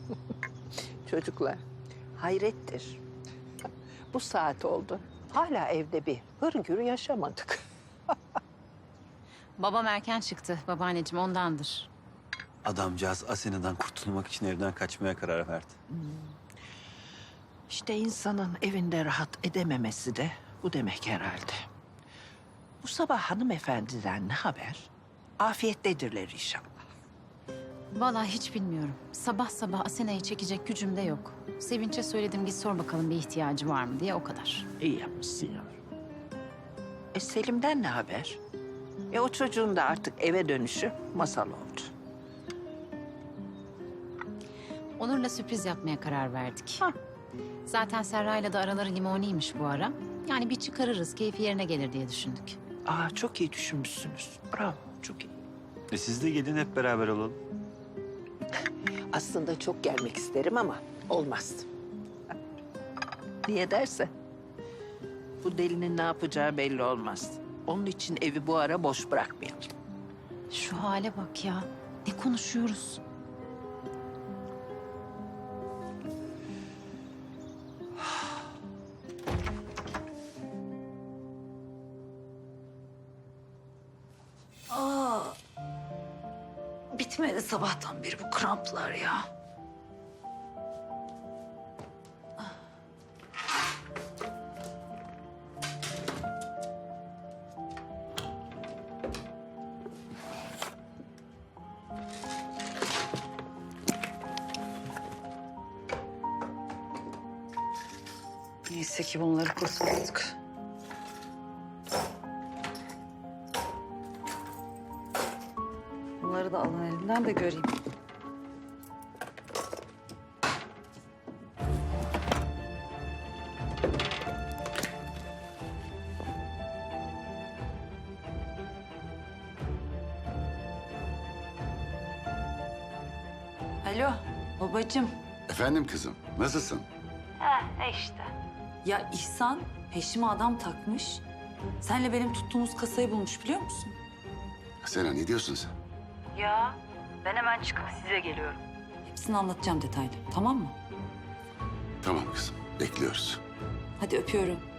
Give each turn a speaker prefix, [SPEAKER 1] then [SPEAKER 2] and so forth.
[SPEAKER 1] Çocuklar, hayrettir. Bu saat oldu. Hala evde bir hırgür yaşamadık.
[SPEAKER 2] Babam erken çıktı babaanneciğim ondandır.
[SPEAKER 3] Adamcağız Asena'dan kurtulmak için evden kaçmaya karar verdi.
[SPEAKER 1] İşte insanın evinde rahat edememesi de bu demek herhalde. Bu sabah hanımefendiden ne haber? Afiyettedirler inşallah.
[SPEAKER 2] Vallahi hiç bilmiyorum. Sabah sabah Asena'yı çekecek gücüm de yok. Sevinç'e söyledim git sor bakalım bir ihtiyacı var mı diye o kadar.
[SPEAKER 1] İyi yapmışsın ya. Selim'den ne haber? O çocuğun da artık eve dönüşü masal oldu.
[SPEAKER 2] Onur'la sürpriz yapmaya karar verdik.
[SPEAKER 1] Hah.
[SPEAKER 2] Zaten Serra'yla da araları limoniymiş bu ara. Yani bir çıkarırız keyfi yerine gelir diye düşündük.
[SPEAKER 1] Çok iyi düşünmüşsünüz. Bravo, çok iyi.
[SPEAKER 3] Siz de gelin hep beraber olalım.
[SPEAKER 1] Aslında çok gelmek isterim ama olmaz. Niye derse? Bu delinin ne yapacağı belli olmaz. Onun için evi bu ara boş bırakmayalım.
[SPEAKER 2] Şu hale bak ya. Ne konuşuyoruz?
[SPEAKER 4] Bitmedi sabahtan beri bu kramplar ya. Neyse ki bunları kurtulduk. Bunları da alın elimden de göreyim. Alo babacığım.
[SPEAKER 5] Efendim kızım, nasılsın?
[SPEAKER 4] Ya İhsan peşime adam takmış. Senle benim tuttuğumuz kasayı bulmuş biliyor musun?
[SPEAKER 5] Sena ne diyorsun sen?
[SPEAKER 4] Ya ben hemen çıkıp size geliyorum. Hepsini anlatacağım detaylı tamam mı?
[SPEAKER 5] Tamam kızım, bekliyoruz.
[SPEAKER 4] Hadi öpüyorum.